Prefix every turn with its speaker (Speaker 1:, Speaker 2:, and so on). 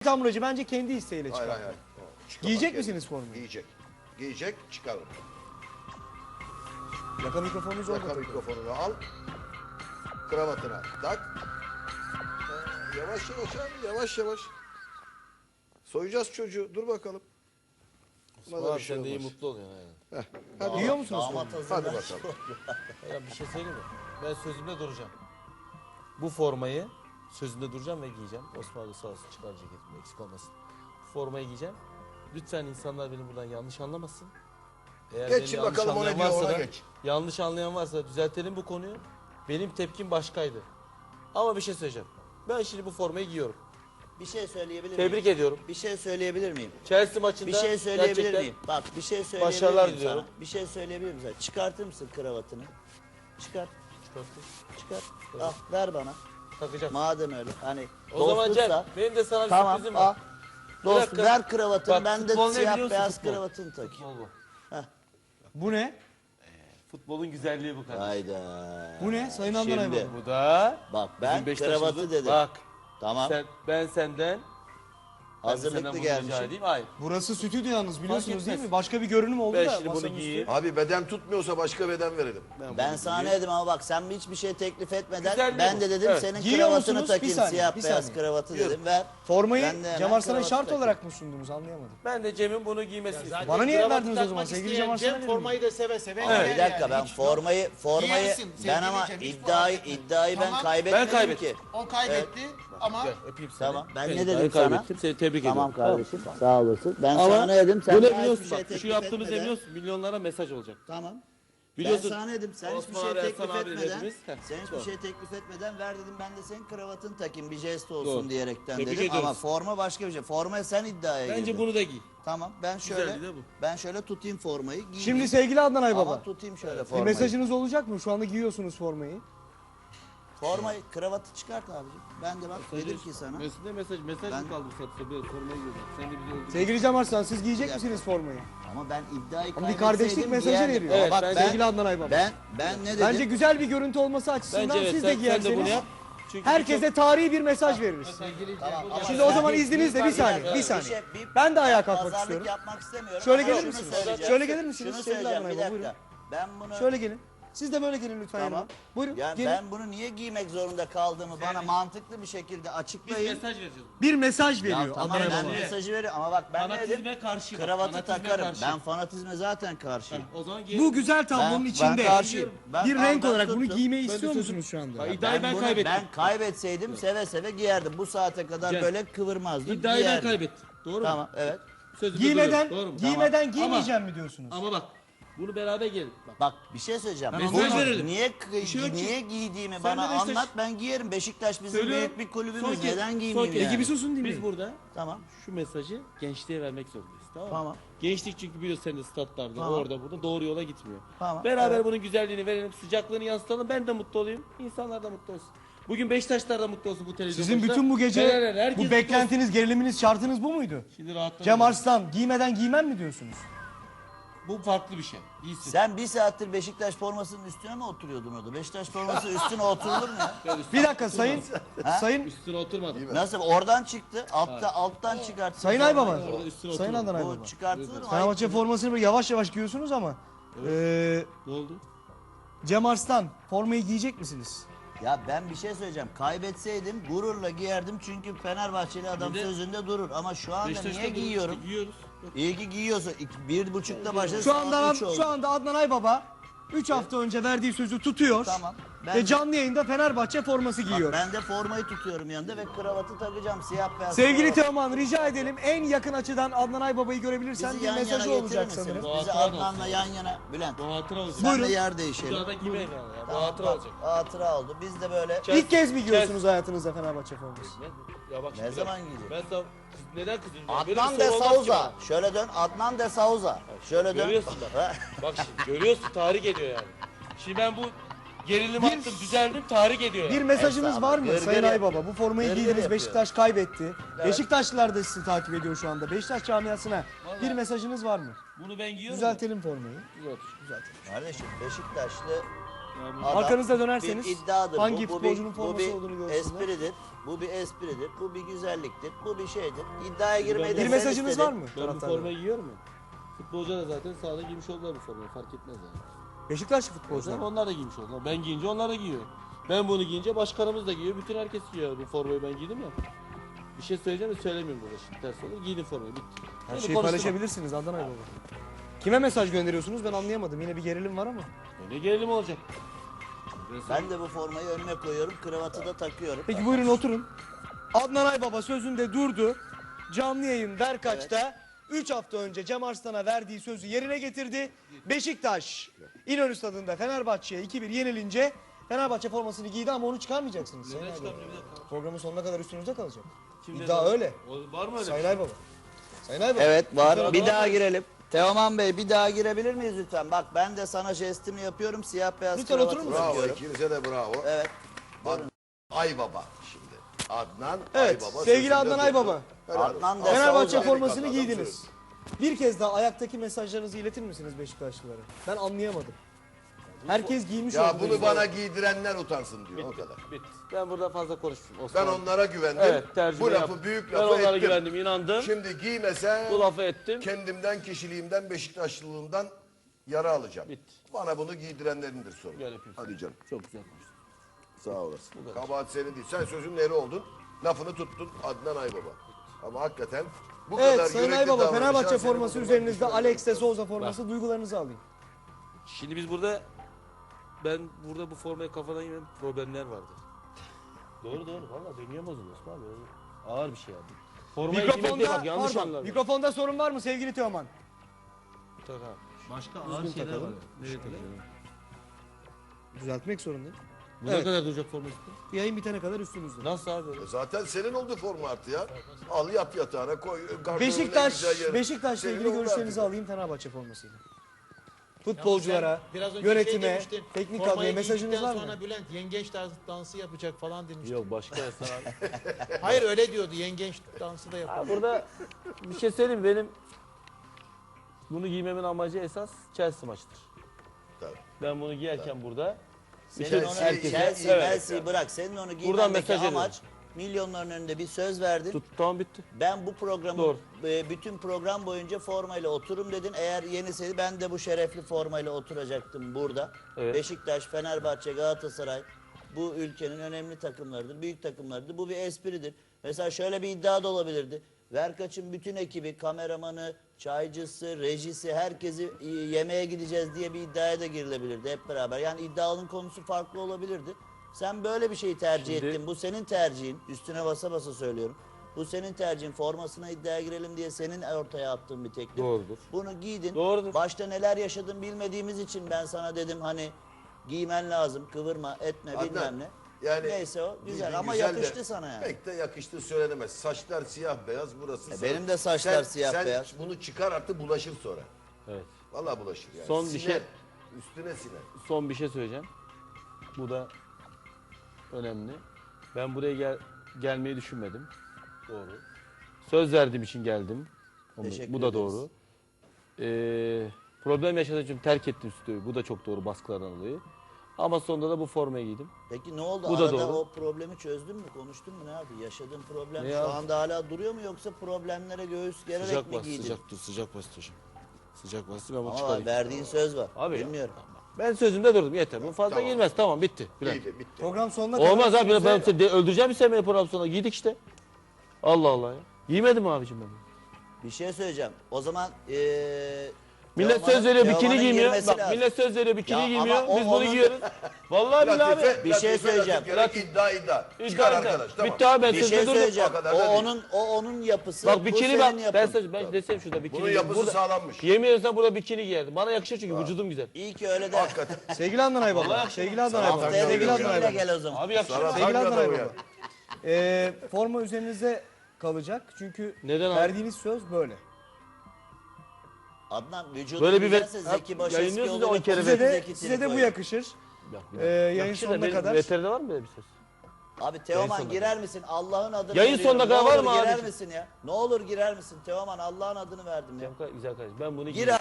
Speaker 1: Kamuracı bence kendi isteğiyle
Speaker 2: Hayır
Speaker 1: çıkar.
Speaker 2: hayır. hayır. Çıkamaz
Speaker 1: Giyecek
Speaker 2: kendi.
Speaker 1: misiniz formayı?
Speaker 2: Giyecek. Giyecek, çıkarır.
Speaker 1: Yaka mikrofonunuz oldu.
Speaker 2: Yaka mikrofonunu al. Kravatına tak. Yavaş yavaş abi, yavaş yavaş. Soyacağız çocuğu. Dur bakalım. Bana
Speaker 3: Abi
Speaker 2: bir şey
Speaker 3: sen de iyi
Speaker 2: olmaz.
Speaker 3: mutlu oluyorsun yani.
Speaker 2: Hadi,
Speaker 1: Giyiyor musunuz?
Speaker 2: hadi bakalım.
Speaker 3: Ya bir şey söyleyeyim mi? Ben sözümde duracağım. Bu formayı sözümde duracağım ve giyeceğim. Osman abi sağ olsun çıkar ceketimi eksik olmasın. Bu formayı giyeceğim. Lütfen insanlar beni buradan yanlış anlamasın. Eğer
Speaker 2: Geç
Speaker 3: beni
Speaker 2: şimdi
Speaker 3: yanlış
Speaker 2: bakalım o ne
Speaker 3: anlayan
Speaker 2: diyor,
Speaker 3: varsa
Speaker 2: ona
Speaker 3: da-
Speaker 2: geç.
Speaker 3: Yanlış anlayan varsa da düzeltelim bu konuyu. Benim tepkim başkaydı. Ama bir şey söyleyeceğim. Ben şimdi bu formayı giyiyorum.
Speaker 4: Bir şey söyleyebilir
Speaker 3: Tebrik
Speaker 4: miyim?
Speaker 3: ediyorum.
Speaker 4: Bir şey söyleyebilir miyim?
Speaker 3: Chelsea maçında
Speaker 4: Bir şey söyleyebilir
Speaker 3: gerçekten
Speaker 4: miyim? Bak bir şey söyleyebilir
Speaker 3: başarılar
Speaker 4: miyim
Speaker 3: diliyorum.
Speaker 4: sana? Bir şey söyleyebilir miyim sana? Çıkartır mısın kravatını? Çıkart. Çıkart. Al ver bana.
Speaker 3: takacağım.
Speaker 4: Madem öyle. Hani
Speaker 3: O zaman Cem
Speaker 4: dostluksa-
Speaker 3: benim de sana bir
Speaker 4: Tamam
Speaker 3: sürprizim
Speaker 4: al.
Speaker 3: var. Bir
Speaker 4: Dost
Speaker 3: dakika.
Speaker 4: ver kravatını.
Speaker 3: Bak,
Speaker 4: Ben de
Speaker 3: futbol ne
Speaker 4: siyah
Speaker 3: biliyorsun,
Speaker 4: beyaz
Speaker 3: futbol?
Speaker 4: kravatını takayım.
Speaker 3: Futbol bu.
Speaker 1: Bu ne?
Speaker 3: Futbolun güzelliği bu kardeşim.
Speaker 4: Hayda.
Speaker 1: Bu ne? Sayın Adnan Aybaba.
Speaker 4: Şimdi
Speaker 3: Bu da
Speaker 4: bak
Speaker 3: bizim
Speaker 4: ben
Speaker 3: Beşiktaş'ımızın-
Speaker 4: kravatı dedim.
Speaker 3: Bak
Speaker 4: Tamam.
Speaker 3: ben senden
Speaker 4: Hazırlıklı
Speaker 3: bunu rica
Speaker 4: gelmişim.
Speaker 3: edeyim. Hayır.
Speaker 1: Burası stüdyo yalnız biliyorsunuz
Speaker 3: etmez.
Speaker 1: değil mi? Başka bir görünüm oldu
Speaker 3: Ben
Speaker 1: da
Speaker 3: şimdi bunu
Speaker 1: masanın
Speaker 3: giyeyim.
Speaker 1: üstü.
Speaker 2: Abi beden tutmuyorsa başka beden verelim.
Speaker 4: Ben sana ne dedim ama bak sen hiçbir şey teklif etmeden
Speaker 3: Güzelliği
Speaker 4: ben
Speaker 3: bu.
Speaker 4: de dedim
Speaker 3: Evet.
Speaker 4: senin
Speaker 1: Giyiyor
Speaker 4: kravatını
Speaker 1: musunuz? Bir
Speaker 4: takayım
Speaker 1: saniye,
Speaker 4: siyah
Speaker 1: bir
Speaker 4: beyaz
Speaker 1: saniye.
Speaker 4: kravatı dedim ver.
Speaker 1: Formayı
Speaker 4: Ben de hemen
Speaker 1: Cem Arslan'a
Speaker 4: kravatı
Speaker 1: şart
Speaker 4: takayım.
Speaker 1: olarak mı sundunuz anlayamadım.
Speaker 3: Ben de Cem'in bunu giymesini istiyorum.
Speaker 1: Bana niye
Speaker 5: Kravatı
Speaker 1: verdiniz o zaman?
Speaker 5: takmak
Speaker 1: Sevgili
Speaker 5: isteyen
Speaker 1: Cem Arslan'a
Speaker 5: Cem
Speaker 1: verin.
Speaker 5: formayı da seve seve
Speaker 4: Ama
Speaker 5: giyer
Speaker 4: bir dakika
Speaker 5: yani.
Speaker 4: ben
Speaker 5: Hiç
Speaker 4: formayı
Speaker 5: Giyersin
Speaker 4: ben
Speaker 5: sevgili
Speaker 4: ama
Speaker 5: Cem, hiç
Speaker 4: iddiayı ben
Speaker 5: Tamam.
Speaker 4: kaybetmedim
Speaker 3: Ben kaybettim.
Speaker 4: ki.
Speaker 5: O kaybetti ama
Speaker 3: Gel öpeyim seni.
Speaker 4: Tamam ben
Speaker 3: Ben
Speaker 4: ne dedim sana?
Speaker 3: kaybettim. Seni tebrik
Speaker 4: Tamam
Speaker 3: ediyorum.
Speaker 4: kardeşim sağ olasın. Ben
Speaker 3: Ama
Speaker 4: sana ne dedim? Sen
Speaker 3: bu ne
Speaker 4: daha
Speaker 3: biliyorsun
Speaker 4: hiçbir şey
Speaker 3: bak. Şu
Speaker 4: teklif
Speaker 3: yaptığımız ne
Speaker 4: etmeden-
Speaker 3: biliyorsun? Milyonlara mesaj olacak.
Speaker 4: Tamam.
Speaker 3: Biliyorsun.
Speaker 4: Ben sana ne dedim? Sen hiçbir
Speaker 3: Osman
Speaker 4: şey
Speaker 3: abi,
Speaker 4: teklif
Speaker 3: Hasan abi
Speaker 4: etmeden,
Speaker 3: dediniz. Heh,
Speaker 4: sen hiçbir
Speaker 3: doğru.
Speaker 4: şey teklif etmeden ver dedim ben de senin kravatını takayım bir jest olsun
Speaker 3: Doğru.
Speaker 4: diyerekten
Speaker 3: Tebrik
Speaker 4: dedim. Ama
Speaker 3: ediyoruz.
Speaker 4: forma başka bir şey. Formaya sen iddiaya
Speaker 3: Bence
Speaker 4: girdin.
Speaker 3: bunu da giy.
Speaker 4: Tamam ben şöyle
Speaker 3: Güzelliği de bu.
Speaker 4: ben şöyle tutayım formayı. Giyeyim.
Speaker 1: Şimdi sevgili Adnan Aybaba.
Speaker 4: Ama tutayım şöyle
Speaker 1: Bir
Speaker 4: formayı.
Speaker 1: mesajınız olacak mı? Şu anda giyiyorsunuz formayı.
Speaker 4: Formayı, kravatı çıkart abicim. Ben de bak dedim ki sana.
Speaker 3: Mesaj mı
Speaker 4: Ben-
Speaker 3: kaldı bu saatte? Böyle sormaya gireceğim. Sen de bizi öldürdün.
Speaker 1: Sevgili Cem Arslan siz giyecek
Speaker 4: Bir dakika.
Speaker 1: misiniz formayı?
Speaker 4: Ama ben iddiayı
Speaker 1: Ama bir kardeşlik
Speaker 4: kaybetseydim
Speaker 1: mesajı
Speaker 4: giyerdim.
Speaker 1: veriyor.
Speaker 4: Ama
Speaker 3: Evet,
Speaker 4: bak
Speaker 3: ben-
Speaker 1: Sevgili Adnan Aybaba.
Speaker 4: ben ne dedim?
Speaker 1: Bence güzel bir görüntü olması açısından
Speaker 3: Bence evet,
Speaker 1: siz de
Speaker 3: sen de
Speaker 1: giyerseniz
Speaker 3: bunu yap. Çünkü
Speaker 1: herkese tarihi bir mesaj veririz.
Speaker 4: Tamam, ama
Speaker 1: Şimdi o
Speaker 4: sen
Speaker 1: zaman
Speaker 4: bir-
Speaker 1: izninizle bir saniye, bir saniye. Ben de ayağa kalkmak
Speaker 4: pazarlık
Speaker 1: istiyorum.
Speaker 4: yapmak istemiyorum.
Speaker 1: Şöyle
Speaker 4: Ama
Speaker 1: gelir
Speaker 4: şunu
Speaker 1: misiniz?
Speaker 4: söyleyeceğim.
Speaker 1: Şöyle gelir misiniz?
Speaker 4: Şunu
Speaker 1: Sevgili
Speaker 4: söyleyeceğim
Speaker 1: Adnan
Speaker 4: bir
Speaker 1: Aybaba,
Speaker 4: dakika. Ben bunu
Speaker 1: Şöyle gelin. Siz de böyle gelin lütfen
Speaker 4: Tamam.
Speaker 1: yanıma. Buyurun
Speaker 4: yani
Speaker 1: gelin.
Speaker 4: ben bunu niye giymek zorunda kaldığımı bana mantıklı bir şekilde
Speaker 3: biz
Speaker 4: açıklayın.
Speaker 3: mesaj vereceğiz.
Speaker 1: Bir mesaj
Speaker 4: Ya
Speaker 1: veriyor
Speaker 4: tamam
Speaker 1: Adnan
Speaker 4: ben
Speaker 1: Aybaba.
Speaker 4: mesajı veriyorum ama bak ben ne dedim?
Speaker 3: Fanatizme karşı.
Speaker 4: Kravatı
Speaker 3: Fanatizme
Speaker 4: takarım.
Speaker 3: karşı.
Speaker 4: Ben fanatizme zaten karşıyım.
Speaker 3: O zaman giy.
Speaker 1: Bu güzel tablonun
Speaker 4: Ben
Speaker 1: içinde
Speaker 4: karşıyım. Ben
Speaker 1: bir renk
Speaker 4: aldan
Speaker 1: olarak bunu
Speaker 4: tuttum.
Speaker 1: giymeyi
Speaker 3: de
Speaker 1: istiyor
Speaker 3: sözüm-
Speaker 1: musunuz şu anda?
Speaker 3: İddiayı ben
Speaker 4: bunu-
Speaker 3: kaybettim.
Speaker 4: Ben kaybetseydim seve seve giyerdim. Bu saate kadar
Speaker 3: Gel.
Speaker 4: böyle kıvırmazdım.
Speaker 3: İddiayı ben
Speaker 4: giyerdim.
Speaker 3: kaybettim. Doğru mu?
Speaker 4: Tamam evet.
Speaker 3: Sözümde
Speaker 1: Giymeden,
Speaker 3: duruyorum. Doğru mu?
Speaker 1: giymeden
Speaker 3: Ama-
Speaker 1: giymeyeceğim mi diyorsunuz?
Speaker 3: Ama bak bunu beraber giyelim. Bak.
Speaker 4: Bak bir şey söyleyeceğim.
Speaker 3: Ben
Speaker 4: Bunu
Speaker 3: mesaj verelim.
Speaker 4: Niye,
Speaker 3: şey yok ki.
Speaker 4: niye giydiğimi
Speaker 3: Sen
Speaker 4: bana
Speaker 3: de Beşiktaş-
Speaker 4: anlat ben giyerim. Beşiktaş bizim
Speaker 3: Söylüyorum.
Speaker 4: büyük bir kulübümüz.
Speaker 3: Son kez-
Speaker 4: Neden
Speaker 3: son
Speaker 4: giymeyeyim
Speaker 3: kez.
Speaker 4: yani?
Speaker 1: Bir susun değil mi?
Speaker 3: Biz burada
Speaker 4: Tamam.
Speaker 3: şu mesajı gençliğe vermek zorundayız. Tamam mı?
Speaker 4: Tamam.
Speaker 3: Gençlik çünkü biliyorsun sen de statlarda
Speaker 4: Tamam.
Speaker 3: orada burada doğru yola gitmiyor.
Speaker 4: Tamam,
Speaker 3: Beraber
Speaker 4: evet.
Speaker 3: bunun güzelliğini verelim, sıcaklığını yansıtalım. Ben de mutlu olayım. İnsanlar da mutlu olsun. Bugün Beşiktaşlar da mutlu olsun bu televizyon
Speaker 1: Sizin
Speaker 3: başında.
Speaker 1: bütün bu gece
Speaker 3: Fenerler, herkes
Speaker 1: bu
Speaker 3: mutlu olsun.
Speaker 1: beklentiniz, geriliminiz, şartınız bu muydu?
Speaker 3: Şimdi rahatladım.
Speaker 1: Cem Arslan giymeden giymem mi diyorsunuz?
Speaker 3: Bu farklı bir şey. İyisin.
Speaker 4: Sen bir saattir Beşiktaş formasının üstüne mi oturuyordun orada? Beşiktaş forması üstüne oturulur mu ya?
Speaker 3: Ben üstüne
Speaker 1: Bir dakika sayın sayın
Speaker 3: üstüne oturmadım.
Speaker 4: Nasıl? Oradan çıktı. Alttan çıkarttı.
Speaker 1: Sayın Aybaba.
Speaker 3: Orada üstüne
Speaker 1: Sayın
Speaker 3: oturmadım.
Speaker 1: Adnan Aybaba.
Speaker 4: Bu çıkartılır mı?
Speaker 1: Fenerbahçe
Speaker 4: Ayıp.
Speaker 1: formasını böyle yavaş yavaş giyiyorsunuz ama
Speaker 3: Ne oldu?
Speaker 1: Cem Arslan formayı giyecek misiniz?
Speaker 4: Ya ben bir şey söyleyeceğim. Kaybetseydim gururla giyerdim çünkü Fenerbahçeli adam
Speaker 3: Bir de-
Speaker 4: sözünde durur. Ama şu anda
Speaker 3: Beşiktaş'ta
Speaker 4: niye
Speaker 3: bunu
Speaker 4: giyiyorum?
Speaker 3: işte giyiyoruz. Yok.
Speaker 4: İyi ki giyiyorsun. 1.30'da başladı.
Speaker 1: Şu anda
Speaker 4: saat 3 oldu.
Speaker 1: şu anda Adnan Aybaba 3 hafta önce verdiği sözü tutuyor.
Speaker 4: Tamam.
Speaker 1: Ve canlı yayında Fenerbahçe forması giyiyor.
Speaker 4: Ben de formayı tutuyorum yanında ve kravatı takacağım siyah beyaz.
Speaker 1: Sevgili
Speaker 4: kravat.
Speaker 1: Teoman rica edelim en yakın açıdan Adnan Aybaba'yı görebilirsen
Speaker 4: Bizi
Speaker 1: bir
Speaker 4: yan yana
Speaker 1: mesajı
Speaker 4: getirir
Speaker 1: olacak
Speaker 4: misin?
Speaker 1: sanırım.
Speaker 3: Bu
Speaker 4: Bizi
Speaker 3: hatıra
Speaker 4: Adnan'la
Speaker 3: olsun.
Speaker 4: yan yana. Bülent.
Speaker 3: Bu hatıra olacak.
Speaker 4: Sen de
Speaker 1: Buyurun.
Speaker 4: yer
Speaker 3: Bir
Speaker 4: değişelim.
Speaker 3: daha da giymeyin yani. Ya. Bu
Speaker 4: Tamam,
Speaker 3: hatıra
Speaker 4: bak,
Speaker 3: olacak.
Speaker 4: hatıra oldu. Biz de böyle
Speaker 1: İlk kez mi giyiyorsunuz hayatınızda Fenerbahçe forması?
Speaker 3: Ya bak
Speaker 4: Ne
Speaker 3: şimdi
Speaker 4: zaman
Speaker 3: ben-
Speaker 4: giyeceğim?
Speaker 3: Ben sana neden kızıyorum?
Speaker 4: Adnan de Souza. Şöyle dön. Adnan de Souza. Şöyle dön.
Speaker 3: Görüyorsun bak. Bak şimdi görüyorsun tahrik ediyor yani. Şimdi ben bu gerilimi attım düzeldim tahrik ediyor yani.
Speaker 1: Bir mesajınız var mı
Speaker 4: Gırgır
Speaker 1: Sayın
Speaker 4: yap-
Speaker 1: Aybaba? Bu formayı
Speaker 4: Gırgır
Speaker 1: giydiniz,
Speaker 4: yapıyor.
Speaker 1: Beşiktaş kaybetti. Beşiktaşlılar da sizi takip ediyor şu anda. Beşiktaş camiasına bir mesajınız var mı?
Speaker 3: Bunu ben giyiyorum.
Speaker 1: Düzeltelim formayı.
Speaker 3: Düzeltelim.
Speaker 4: Kardeşim Beşiktaşlı Adam
Speaker 1: Arkanızda dönerseniz
Speaker 4: bir iddiadır.
Speaker 1: hangi
Speaker 4: Bu
Speaker 1: futbolcunun
Speaker 4: bir-
Speaker 1: forması
Speaker 4: bu bir
Speaker 1: olduğunu görsünler.
Speaker 4: espridir. Bu bir espridir. Bu bir güzelliktir. Bu bir şeydir. İddiaya girmeyi de
Speaker 1: Bir
Speaker 4: sen
Speaker 1: mesajınız
Speaker 4: istedin.
Speaker 1: var mı?
Speaker 3: Ben bu
Speaker 1: taraftarlara?
Speaker 3: formayı giyiyorum ya. Futbolcular da zaten sahada giymiş oldular bu formayı. Fark etmez yani.
Speaker 1: Beşiktaşlı futbolcular.
Speaker 3: Futbolcular onlar da giymiş oldular. Ben giyince onlar da giyiyor. Ben bunu giyince başkanımız da giyiyor. Bütün herkes giyiyor bu formayı ben giydim ya. Bir şey söyleyeceğim de söylemiyorum burada şimdi. Ters olur. Giydim formayı. Bitti.
Speaker 1: Her
Speaker 3: Bunu
Speaker 1: şeyi
Speaker 3: konuşturma.
Speaker 1: paylaşabilirsiniz Adnan Aybaba. Kime mesaj gönderiyorsunuz ben anlayamadım. Yine bir gerilim var ama.
Speaker 3: Ne gerilim olacak?
Speaker 4: Ben de bu formayı önüme koyuyorum. Kravatı da takıyorum.
Speaker 1: Peki buyurun oturun. Adnan Aybaba sözünde durdu. Canlı yayın Derkaç'ta 3 hafta önce Cem Arslan'a verdiği sözü yerine getirdi. Beşiktaş İnönü Stadı'nda Fenerbahçe'ye 2-1 yenilince Fenerbahçe formasını giydi ama onu çıkarmayacaksınız. Sayın Aybaba. Programın sonuna kadar üstünüzde kalacak. İddia öyle.
Speaker 3: Var mı öyle?
Speaker 1: Sayın Aybaba. Sayın Aybaba.
Speaker 4: Evet var.
Speaker 3: Lütfen
Speaker 4: Bir
Speaker 3: adam-
Speaker 4: daha girelim. Teoman Bey bir daha girebilir miyiz lütfen? Bak ben de sana jestimi yapıyorum. Siyah beyaz
Speaker 1: Lütfen
Speaker 4: kravatı
Speaker 1: oturur musun?
Speaker 2: Bravo,
Speaker 4: takıyorum.
Speaker 2: ikinize de bravo.
Speaker 4: Evet.
Speaker 2: Aybaba şimdi. Adnan
Speaker 1: Evet
Speaker 2: Aybaba.
Speaker 1: sevgili
Speaker 2: sözünde
Speaker 1: Adnan
Speaker 2: durdu.
Speaker 1: Aybaba.
Speaker 2: Helal olsun.
Speaker 4: Adnan da
Speaker 1: Fenerbahçe
Speaker 4: Souza.
Speaker 1: formasını
Speaker 2: Delikanlı
Speaker 1: giydiniz. Bir kez daha ayaktaki mesajlarınızı iletir misiniz Beşiktaşlılara? Ben anlayamadım. Herkes giymiş
Speaker 2: Ya
Speaker 1: oldu.
Speaker 2: bunu bana giydirenler utansın diyor o kadar.
Speaker 3: Bitti. Ben burada fazla konuştum.
Speaker 2: Ben
Speaker 3: Osman.
Speaker 2: onlara güvendim.
Speaker 3: Evet, tercüme
Speaker 2: Bu lafı
Speaker 3: yaptım.
Speaker 2: büyük
Speaker 3: Ben
Speaker 2: lafı
Speaker 3: onlara
Speaker 2: ettim.
Speaker 3: güvendim, inandım.
Speaker 2: Şimdi giymesen
Speaker 3: Bu lafı ettim.
Speaker 2: kendimden, kişiliğimden, Beşiktaşlılığımdan yara alacağım.
Speaker 3: Bitti.
Speaker 2: Bana bunu giydirenlerindir sorun.
Speaker 3: Gel öpeyim seni.
Speaker 2: Hadi canım.
Speaker 3: Çok güzel konuştun.
Speaker 2: Sağ olasın. Kabahat senin değil. Sen sözün eri oldun. Lafını tuttun Adnan Aybaba. Ama hakikaten bu kadar
Speaker 1: Evet Sayın
Speaker 2: yürekli
Speaker 1: Aybaba
Speaker 2: davranışan
Speaker 1: Fenerbahçe
Speaker 2: senin
Speaker 1: forması
Speaker 2: oturmak
Speaker 1: üzerinizde
Speaker 2: düşünmem
Speaker 1: Alex de
Speaker 2: yok.
Speaker 1: Souza forması duygularınızı alayım.
Speaker 3: Şimdi biz burada ben burada bu formayı kafadan yemem problemler vardı. Doğru valla dünya bozuldu Osman abi. Ağır bir şey abi. Formayı giymekte bak yanlış
Speaker 1: pardon,
Speaker 3: anladın.
Speaker 1: mikrofonda sorun var mı sevgili Teoman?
Speaker 3: Tak abi.
Speaker 5: Başka ağır şeyler var.
Speaker 3: Nereye takıyorum?
Speaker 1: Düzeltmek zorundayım.
Speaker 3: Bu
Speaker 1: Evet.
Speaker 3: ne kadar duracak forma üstü?
Speaker 1: Yayın bitene kadar üstünüzde.
Speaker 3: Nasıl abi?
Speaker 2: Zaten senin oldu forma artı ya. Al yat yatağına koy. gardırobun en
Speaker 1: Beşiktaş,
Speaker 2: güzel yere.
Speaker 1: Beşiktaş'la
Speaker 2: Senin
Speaker 1: ilgili
Speaker 2: oldu
Speaker 1: görüşlerinizi
Speaker 2: artık.
Speaker 1: alayım Fenerbahçe formasıyla. Futbolculara,
Speaker 5: Biraz önce
Speaker 1: yönetime,
Speaker 5: şey demiştin,
Speaker 1: teknik
Speaker 5: formayı
Speaker 1: kadroya mesajınız
Speaker 5: giydikten
Speaker 1: var mı?
Speaker 5: sonra Bülent yengeç dansı yapacak falan demişti.
Speaker 3: Yok başka Hasan abi.
Speaker 5: Hayır öyle diyordu, yengeç dansı da yapar.
Speaker 3: Abi burada bir şey söyleyeyim mi? Benim bunu giymemin amacı esas Chelsea maçıdır.
Speaker 2: Tabii.
Speaker 3: Ben bunu giyerken burada
Speaker 4: Senin onu
Speaker 2: Chelsea-
Speaker 4: Chelsea,
Speaker 3: Evet.
Speaker 4: Chelsea'yi bırak. Senin onu
Speaker 3: Buradan
Speaker 4: giymendeki
Speaker 3: mesaj
Speaker 4: amaç milyonların önünde bir söz verdin.
Speaker 3: tut tamam bitti.
Speaker 4: Ben bu programı
Speaker 3: Doğru.
Speaker 4: bütün program boyunca formayla oturum dedin. Eğer yeniseydi ben de bu şerefli formayla oturacaktım burada.
Speaker 3: Evet.
Speaker 4: Beşiktaş, Fenerbahçe, Galatasaray bu ülkenin önemli takımlarıdır, büyük takımlarıdır. Bu bir espridir. Mesela şöyle bir iddia da olabilirdi. Verkaç'ın bütün ekibi, kameramanı, çaycısı, rejisi, herkesi yemeğe gideceğiz diye bir iddiaya da girilebilirdi hep beraber. Yani iddianın konusu farklı olabilirdi. Sen böyle bir şeyi tercih
Speaker 3: Şimdi-
Speaker 4: ettin. Bu senin tercihin. Üstüne basa basa söylüyorum. Bu senin tercihin. Formasına iddiaya girelim diye senin ortaya attığın bir teklif.
Speaker 3: Doğrudur.
Speaker 4: Bunu giydin.
Speaker 3: Doğrudur.
Speaker 4: Başta neler yaşadın bilmediğimiz için ben sana dedim hani giymen lazım. Kıvırma, etme
Speaker 2: Adnan,
Speaker 4: bilmem ne.
Speaker 2: Yani
Speaker 4: Neyse o güzel
Speaker 2: giydin
Speaker 4: ama
Speaker 2: güzel de
Speaker 4: yakıştı sana yani.
Speaker 2: Pek de yakıştı söylenemez. Saçlar siyah beyaz burası. sarı.
Speaker 4: benim de saçlar siyah
Speaker 2: sen
Speaker 4: beyaz.
Speaker 2: bunu çıkar artık bulaşır sonra.
Speaker 3: Evet.
Speaker 2: Vallahi bulaşır yani.
Speaker 3: Son bir
Speaker 2: Siner,
Speaker 3: şey-
Speaker 2: Üstüne siner.
Speaker 3: Son bir şey söyleyeceğim. Bu da önemli. Ben buraya gelmeyi düşünmedim. Doğru. Söz verdiğim için geldim.
Speaker 4: Teşekkür
Speaker 3: Bu da
Speaker 4: ederiz.
Speaker 3: doğru. Problem yaşadığım için terk ettim stüdyoyu. Bu da çok doğru baskılardan dolayı. Ama sonunda da bu formayı giydim.
Speaker 4: Peki ne oldu?
Speaker 3: Bu da
Speaker 4: Arada
Speaker 3: doğru.
Speaker 4: o problemi çözdün mü? Konuştun mu? Ne yaptın? Yaşadığın problem
Speaker 3: Ne
Speaker 4: şu
Speaker 3: ya?
Speaker 4: anda hala duruyor mu yoksa problemlere göğüs gererek
Speaker 3: Sıcak
Speaker 4: mi
Speaker 3: bastı,
Speaker 4: giydin?
Speaker 3: sıcak bastı hocam. Sıcak bastı ben bunu
Speaker 4: Ama
Speaker 3: çıkarayım.
Speaker 4: verdiğin söz var.
Speaker 3: Abi ya.
Speaker 4: Bilmiyorum.
Speaker 3: Ben sözümde durdum yeter. Bu fazla
Speaker 2: Tamam.
Speaker 3: girmez tamam bitti. Bülent.
Speaker 2: İyiydi bitti.
Speaker 1: Program sonuna kadar
Speaker 3: Olmaz abi ben
Speaker 1: üstünüzde-
Speaker 3: seni öldüreceğim bir sevmeni program sonra giydik işte. Allah Allah ya. Giymedim mi abicim ben?
Speaker 4: Bir şey söyleyeceğim. O zaman
Speaker 3: Millet
Speaker 4: Teoman'ın-
Speaker 3: söz veriyor bikini
Speaker 4: Teoman'ın
Speaker 3: giymiyor.
Speaker 4: girmesi
Speaker 3: Bak
Speaker 4: lazım.
Speaker 3: millet söz veriyor bikini
Speaker 4: Ya
Speaker 3: giymiyor.
Speaker 4: ama o
Speaker 3: Biz bunu
Speaker 4: onun-
Speaker 3: giyiyoruz. Vallahi billahi abi.
Speaker 2: Latife,
Speaker 4: Bir şey
Speaker 2: latife,
Speaker 4: söyleyeceğim.
Speaker 2: latife, iddia.
Speaker 3: İddia
Speaker 2: Çıkar
Speaker 3: iddia.
Speaker 2: arkadaş tamam.
Speaker 3: Bitti abi ben
Speaker 4: Bir
Speaker 3: sözümde
Speaker 4: şey
Speaker 3: durdum.
Speaker 4: söyleyeceğim.
Speaker 2: O kadar
Speaker 4: O
Speaker 2: da değil.
Speaker 4: onun yapısı.
Speaker 3: Bak
Speaker 4: bu
Speaker 3: bikini
Speaker 4: senin
Speaker 3: bak.
Speaker 4: yapın.
Speaker 3: Ben söz ben desem şurada bikini
Speaker 2: Bunun
Speaker 3: giyeyim.
Speaker 2: yapısı
Speaker 3: Burada,
Speaker 2: sağlammış.
Speaker 3: yemin ediyorsan burada bikini giyerdim. Bana yakışır çünkü vücudum güzel.
Speaker 4: İyi ki öyle de.
Speaker 2: Hakikaten.
Speaker 1: Sevgili Adnan Aybaba, sevgili Adnan
Speaker 2: Sana
Speaker 1: Aybaba,
Speaker 4: Haftaya bir
Speaker 1: sevgili Adnan
Speaker 4: bikiniyle
Speaker 1: Aybaba.
Speaker 4: gel o zaman.
Speaker 3: Abi yakışır.
Speaker 2: Sana
Speaker 1: Sevgili
Speaker 2: takmadı
Speaker 1: Adnan
Speaker 2: bu
Speaker 1: Aybaba.
Speaker 2: ya.
Speaker 1: Forma üzerinizde kalacak çünkü
Speaker 3: Neden abi?
Speaker 1: verdiğiniz söz böyle.
Speaker 4: Adnan vücudun
Speaker 3: Böyle bir
Speaker 4: güzelse
Speaker 3: ve-
Speaker 4: Zeki Başeski
Speaker 3: yayınlıyorsunuz ya
Speaker 4: olur.
Speaker 3: 10 kere
Speaker 1: Size de,
Speaker 4: Zeki
Speaker 1: size de bu
Speaker 4: Tilkoy.
Speaker 1: yakışır. Yayın
Speaker 3: Yakışır da
Speaker 1: sonuna
Speaker 3: benim
Speaker 1: kadar.
Speaker 3: VTR'de var mı böyle bir söz?
Speaker 4: Abi
Speaker 3: Yayın
Speaker 4: Teoman
Speaker 3: sonuna
Speaker 4: girer misin? Allah'ın adını
Speaker 3: Yayın
Speaker 4: veriyorum.
Speaker 3: sonuna kadar
Speaker 4: Ne
Speaker 3: var
Speaker 4: olur
Speaker 3: mı
Speaker 4: girer
Speaker 3: abicim?
Speaker 4: misin ya? Ne olur girer misin? Teoman Allah'ın adını verdim ya.
Speaker 3: Güzel kardeşim ben bunu
Speaker 4: Gir
Speaker 3: giydim.